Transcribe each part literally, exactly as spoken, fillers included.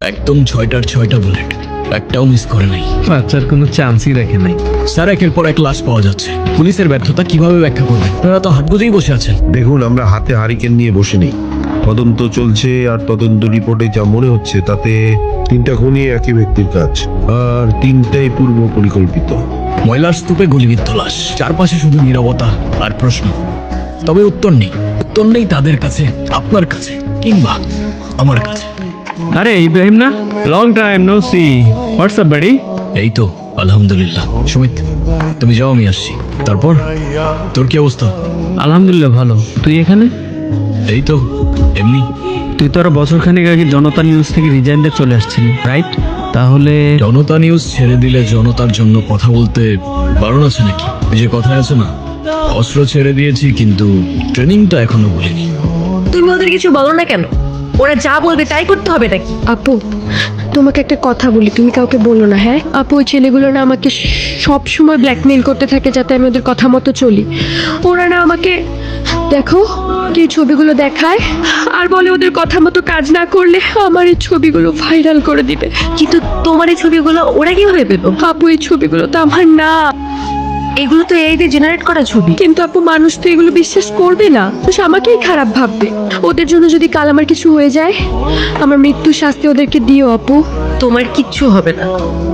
একদম ছয়টার ছয়টা বুলেট, একটাও মিস করে নাই। বাচ্চার কোনো চান্সই রাখে নাই। স্যার, একের পর এক লাশ পাওয়া যাচ্ছে। পুলিশের ব্যর্থতা কিভাবে ব্যাখ্যা করবেন? আপনারা তো হাত বুঝেই বসে আছেন। দেখুন, আমরা হাতে হারিকেন নিয়ে বসে নেই। তদন্ত চলছে, আর তদন্ত রিপোর্টে যা মনে হচ্ছে তাতে তিনটা খুনই একই ব্যক্তির কাজ, আর তিনটাই পূর্ব পরিকল্পিত। ময়লার স্তূপে গুলিবিদ্ধ লাশ, চারপাশে শুধু নীরবতা আর প্রশ্ন। তবে উত্তর নেই। উত্তর নেই তাদের কাছে, আপনার কাছে, কিংবা আমার কাছে। আরে ইব্রাহিম না, long time no see. WhatsApp বাড়ি? এই তো আলহামদুলিল্লাহ। সুমিত, তুমি যাও, আমি আসছি। তারপর তোর কি অবস্থা? আলহামদুলিল্লাহ ভালো। তুই এখানে? এই তো এমনি। তুই তো আরো বছর খানিক আগে জনতা নিউজ থেকে রিজাইন দিয়ে চলে আসছিলি, রাইট? তাহলে জনতা নিউজ ছেড়ে দিলে জনতার জন্য কথা বলতে বারণ আছে নাকি? ওই যে কথায় আছে না, অস্ত্র ছেড়ে দিয়েছি কিন্তু ট্রেনিংটা এখনো বলিনি। তুমি ওদের কিছু বলো না কেন? ওরা যা বলবে তাই করতে হবে নাকি? আপু, তোমাকে একটা কথা বলি, তুমি কাউকে বলো না, হ্যাঁ? আপু, ওই ছেলেগুলো না আমাকে সব সময় ব্ল্যাকমেইল করতে থাকে যাতে আমি ওদের কথা মতো চলি। ওরা না আমাকে, দেখো, কি ছবিগুলো দেখায় আর বলে ওদের কথা মতো কাজ না করলে আমার এই ছবিগুলো ভাইরাল করে দিবে। কিন্তু তোমার এই ছবিগুলো ওরা কিভাবে পেলো? আপু, এই ছবিগুলো তো আমার না। এগুলো তো এই দিয়ে জেনারেট করা ছবি। কিন্তু আপু, মানুষ তো এগুলো বিশ্বাস করবে না, তো আমাকেই খারাপ ভাববে। ওদের জন্য যদি কাল আমার কিছু হয়ে যায়, আমার মৃত্যুর শাস্তি ওদেরকে দিও আপু। তোমার কিচ্ছু হবে না।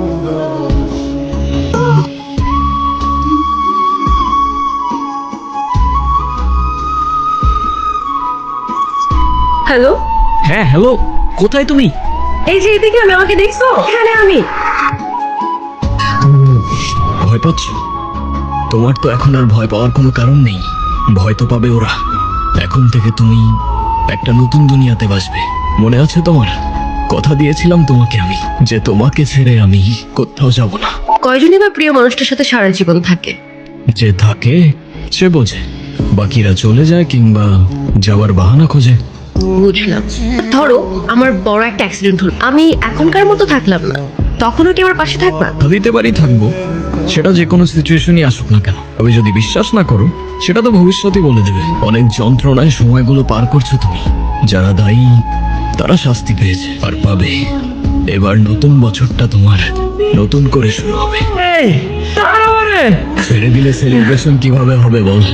হ্যালো, হ্যাঁ হ্যালো, কোথায় তুমি? এই যে এদিকে, আমি, আমাকে দেখছো? এখানে আমি। ভয় পাচ্ছ? তোমার তো এখন আর ভয় পাওয়ার কোনো কারণ নেই। ভয় তো পাবে ওরা। এখন থেকে তুমি একটা নতুন দুনিয়াতে বাসবে। মনে আছে তোমার? কথা দিয়েছিলাম তোমাকে আমি, যে তোমাকে ছেড়ে আমি কোথাও যাব না। কয়জনই বা প্রিয় মানুষটার সাথে সারা জীবন থাকে? যে থাকে সে বোঝে, বাকিরা চলে যায় কিংবা যাওয়ার বাহানা খোঁজে। বুঝলাম। ধরো আমার বড় একটা অ্যাক্সিডেন্ট হলো, আমি এখনকার মতো থাকলাম না, তখনও কি আমার পাশে থাকবা? দিতে পারি, থাকবো। সেটা যে কোনো সিচুয়েশনই আসুক না কেন। তবে যদি বিশ্বাস না করো, সেটা তো ভবিষ্যতই বলে দেবে। অনেক যন্ত্রণায় সময়গুলো পার করছো তুমি। যারা দায়ী তারা শাস্তি পেয়েছে আর পাবে। এবার নতুন বছরটা তোমার নতুন করে শুরু হবে। এই তারপরে ছেড়ে দিলে সেলিব্রেশন কিভাবে হবে বল?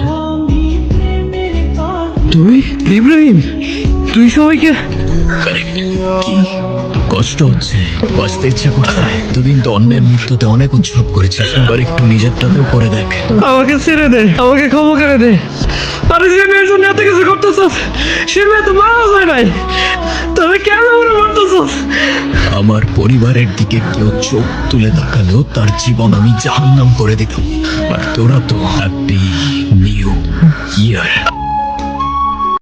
তুই ইব্রাহিম, তুই সবাইকে কি কষ্ট হচ্ছে? বাঁচতে ইচ্ছা করছে। দুদিন তো অন্যের মৃত্যুতে অনেক উৎসব করেছিস, এবার একটু নিজেরটাতেও করে দেখ। আমাকে ছেড়ে দে, আমাকে ক্ষমা করে দে। আরে যে মেয়ের জন্য এত কিছু করতেছস, সে মেয়ে তো মারা যায় নাই, তবে কেন মনে করতেছস? আমার পরিবারের দিকে কেউ চোখ তুলে তাকালেও তার জীবন আমি জাহান্নাম করে দিতাম। আর তোরা তো হ্যাপি নিউ ইয়ার।